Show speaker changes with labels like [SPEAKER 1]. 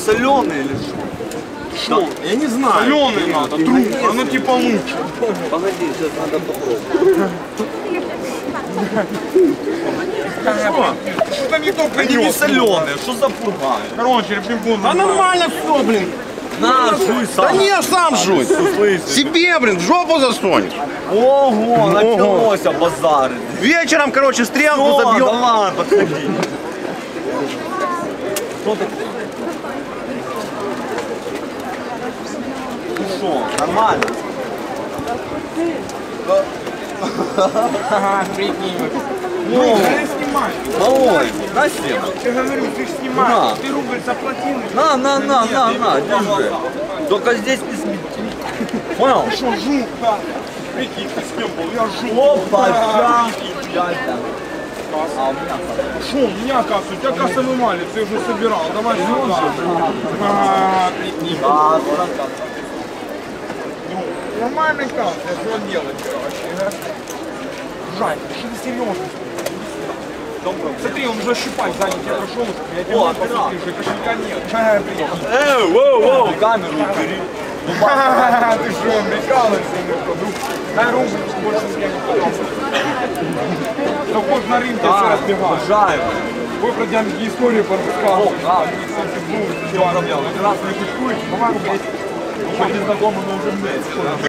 [SPEAKER 1] соленый или что?
[SPEAKER 2] Что? Я не знаю.
[SPEAKER 3] Соленый надо, труп, оно типа лучше.
[SPEAKER 1] Погоди, сейчас надо попробовать.
[SPEAKER 3] Что-то не то
[SPEAKER 1] Они не
[SPEAKER 3] принес.
[SPEAKER 1] соленые, что за пурга?
[SPEAKER 3] Короче, пинг-понг.
[SPEAKER 2] Да нормально все, блин.
[SPEAKER 1] На, жуй сам.
[SPEAKER 2] Да не, сам жуй.
[SPEAKER 1] Слышь.
[SPEAKER 2] Себе, блин, в жопу засунешь.
[SPEAKER 1] Ого, началось базары.
[SPEAKER 2] Вечером, короче, стрелку
[SPEAKER 1] О,
[SPEAKER 2] забьем.
[SPEAKER 1] давай, подходи. Что ты? Ну что, нормально?
[SPEAKER 3] Ага, прикинь.
[SPEAKER 1] Ну,
[SPEAKER 3] Я снимаю.
[SPEAKER 1] малой, на себе.
[SPEAKER 3] Я говорю, ты ж
[SPEAKER 1] На.
[SPEAKER 3] снимаешь. Ты рубль заплатил.
[SPEAKER 1] На, держи. Только здесь не смети. Понял?
[SPEAKER 3] Ты что, жук, да? Прикинь, ты с кем был? Я жук.
[SPEAKER 1] Опа,
[SPEAKER 3] Да.
[SPEAKER 1] ща. А у меня
[SPEAKER 3] Что, у меня касса, у тебя кассовый малец, ты уже собирал. Давай сюда. Ага, прикинь.
[SPEAKER 1] Да,
[SPEAKER 3] Ну, нормальный касс, я что делать, короче. Жань, что ты серьезно? Смотри, он уже щипать сзади тебя прошел, я тебе
[SPEAKER 1] О,
[SPEAKER 3] посмотри, уже кошелька нет. Ха, прикинь.
[SPEAKER 1] воу, камеру убери.
[SPEAKER 3] Ха-ха-ха, ты что, прикалываешься, друг? Дай рубль, больше с кем не хочешь на рынке все разбегаешь.
[SPEAKER 1] Обожаю.
[SPEAKER 3] Вы про детские истории порассказывали.
[SPEAKER 1] Да, в чем проблема? Ты раз не кучкуешь, есть. Хоть незнакомый, но уже вместе, да?